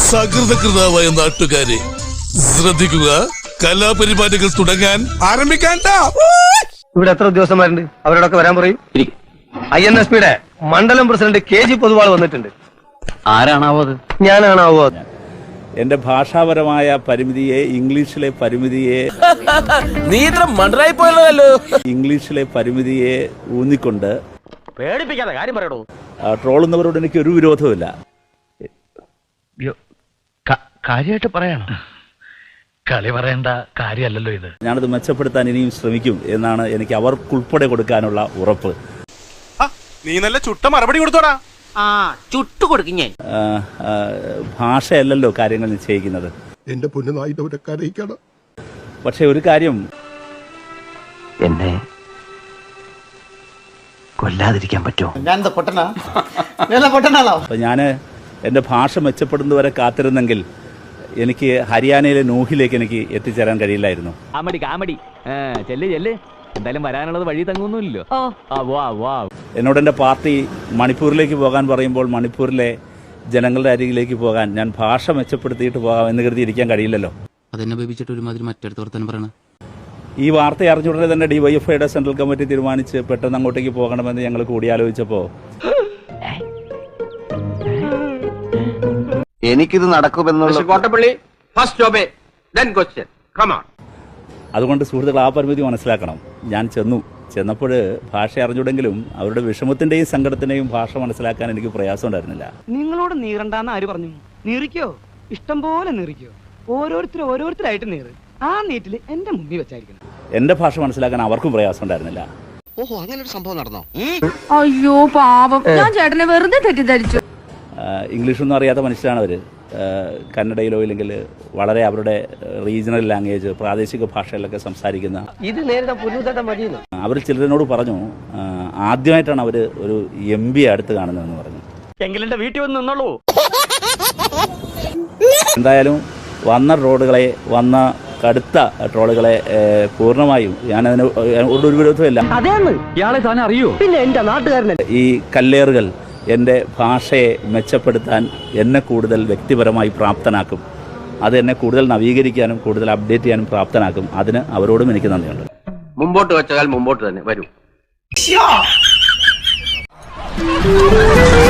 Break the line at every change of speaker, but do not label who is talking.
സകൃതകൃതാവായ നാട്ടുകാരെ ശ്രദ്ധിക്കുക, കലാപരിപാടികൾ തുടങ്ങാൻ ആരംഭിക്കാൻ.
ഇവിടെ എത്ര ഉദ്യോഗസ്ഥന്മാരുണ്ട്? അവരോടൊക്കെ വരാൻ പറയും. INSPയുടെ മണ്ഡലം പ്രസിഡന്റ് KG പൊതുവാൾ വന്നിട്ടുണ്ട്.
ആരാണാവോ അത്?
ഞാനാണാവോ അത്?
എന്റെ ഭാഷാപരമായ പരിമിതിയെ, ഇംഗ്ലീഷിലെ പരിമിതിയെ,
നീ ഇത്ര മണ്ടറായി പോയല്ലോ.
ഇംഗ്ലീഷിലെ പരിമിതിയെ ഊന്നിക്കൊണ്ട്
പേടിപ്പിക്കാതെ കാര്യം പറയണോ.
ട്രോളുന്നവരോട് എനിക്ക് ഒരു വിരോധവുമില്ല.
കാര്യമായിട്ട് പറയണം, കളി പറയേണ്ട കാര്യമല്ലല്ലോ ഇത്.
ഞാനത് മെച്ചപ്പെടുത്താൻ ഇനിയും ശ്രമിക്കും എന്നാണ് എനിക്ക് അവർക്കുൾപ്പെടെ കൊടുക്കാനുള്ള ഉറപ്പ്.
നീ നല്ല ചുട്ട മറുപടി കൊടുത്തോടാ.
ചുട്ടു കൊടുക്കും ഞാൻ.
ഭാഷയല്ലല്ലോ കാര്യങ്ങൾ നിശ്ചയിക്കുന്നത്.
എന്റെ പൊന്നുനായിട്ടവരൊക്കെ.
പക്ഷെ ഒരു കാര്യം,
എന്നെ കൊല്ലാതിരിക്കാൻ പറ്റുമോ?
ഞാൻ എൻ്റെ ഭാഷ മെച്ചപ്പെടുന്നവരെ കാത്തിരുന്നെങ്കിൽ എനിക്ക് ഹരിയാനയിലെ നൂഹിലേക്ക് എനിക്ക് എത്തിച്ചേരാൻ കഴിയില്ലായിരുന്നു.
കാമഡി ചെല്ല് എന്തായാലും വരാനുള്ളത് വഴി തങ്ങുന്നില്ലല്ലോ.
എന്നോട് എൻ്റെ പാർട്ടി മണിപ്പൂരിലേക്ക് പോകാൻ പറയുമ്പോൾ മണിപ്പൂരിലെ ജനങ്ങളുടെ അരികിലേക്ക് പോകാൻ ഞാൻ ഭാഷ മെച്ചപ്പെടുത്തിയിട്ട് പോകാം എന്ന് കരുതി ഇരിക്കാൻ കഴിയില്ലല്ലോ.
അതെന്നെ ബേബിച്ചിട്ട് ഒരുമാതിരി മറ്റടുത്ത് വർത്താനം പറയണം.
ഈ വാർത്ത അറിഞ്ഞുടനെ തന്നെ DYFIയുടെ സെൻട്രൽ കമ്മിറ്റി തീരുമാനിച്ച് പെട്ടെന്ന് അങ്ങോട്ടേക്ക് പോകണമെന്ന് ഞങ്ങൾ കൂടിയാലോചിച്ചപ്പോൾ
എനിക്കിത് നടക്കുമെന്നുള്ള
അതുകൊണ്ട് സുഹൃത്തുക്കൾ ആ പരിമിതി മനസ്സിലാക്കണം. ഞാൻ ചെന്നപ്പോൾ ഭാഷ അറിഞ്ഞുണ്ടെങ്കിലും അവരുടെ വിഷമത്തിന്റെയും സങ്കടത്തിന്റെയും ഭാഷ മനസ്സിലാക്കാൻ എനിക്ക് പ്രയാസം ഉണ്ടായിരുന്നില്ല.
നിങ്ങളോട് നീറണ്ടെന്ന് ആര് പറഞ്ഞു? നീറിക്കോ, ഇഷ്ടം പോലെ നീറിക്കോ. ഓരോരുത്തരായിട്ട് നീറ്. ആ നീറ്റില് എന്റെ മുമ്പിൽ വെച്ചായിരിക്കണം.
എന്റെ ഭാഷ മനസ്സിലാക്കാൻ അവർക്കും പ്രയാസം ഉണ്ടായിരുന്നില്ല.
ഓഹോ, അങ്ങനെ ഒരു സംഭവം നടന്നോ?
അയ്യോ പാവം, ഞാൻ ചേട്ടനെ വെറുതെ തെറ്റിദ്ധരിച്ചു.
ഇംഗ്ലീഷൊന്നും അറിയാത്ത മനുഷ്യരാണ് അവർ. കന്നഡയിലോ ഇല്ലെങ്കിൽ വളരെ അവരുടെ റീജിയണൽ ലാംഗ്വേജ്, പ്രാദേശിക ഭാഷകളിലൊക്കെ സംസാരിക്കുന്ന അവർ ചിലരിനോട് പറഞ്ഞു, ആദ്യമായിട്ടാണ് അവർ ഒരു MP അടുത്ത് കാണുന്നതെന്ന് പറഞ്ഞു.
എന്റെ വീട്ടിൽ വന്ന് നിന്നോളൂ.
എന്തായാലും വന്ന കടുത്ത ട്രോളുകളെ പൂർണ്ണമായും ഞാനതിന് ഒരു വിരോധമില്ല.
അതേന്ന്
ഇയാളെ താൻ അറിയോ?
പിന്നെ എന്റെ നാട്ടുകാരനല്ലേ.
ഈ കല്ലേറുകൾ എൻ്റെ ഭാഷയെ മെച്ചപ്പെടുത്താൻ എന്നെ കൂടുതൽ വ്യക്തിപരമായി പ്രാപ്തനാക്കും. അത് എന്നെ കൂടുതൽ നവീകരിക്കാനും കൂടുതൽ അപ്ഡേറ്റ് ചെയ്യാനും പ്രാപ്തനാക്കും. അതിന് അവരോടും എനിക്ക് നന്ദിയുണ്ട്.
മുമ്പോട്ട് വെച്ചാൽ മുമ്പോട്ട് തന്നെ വരൂ.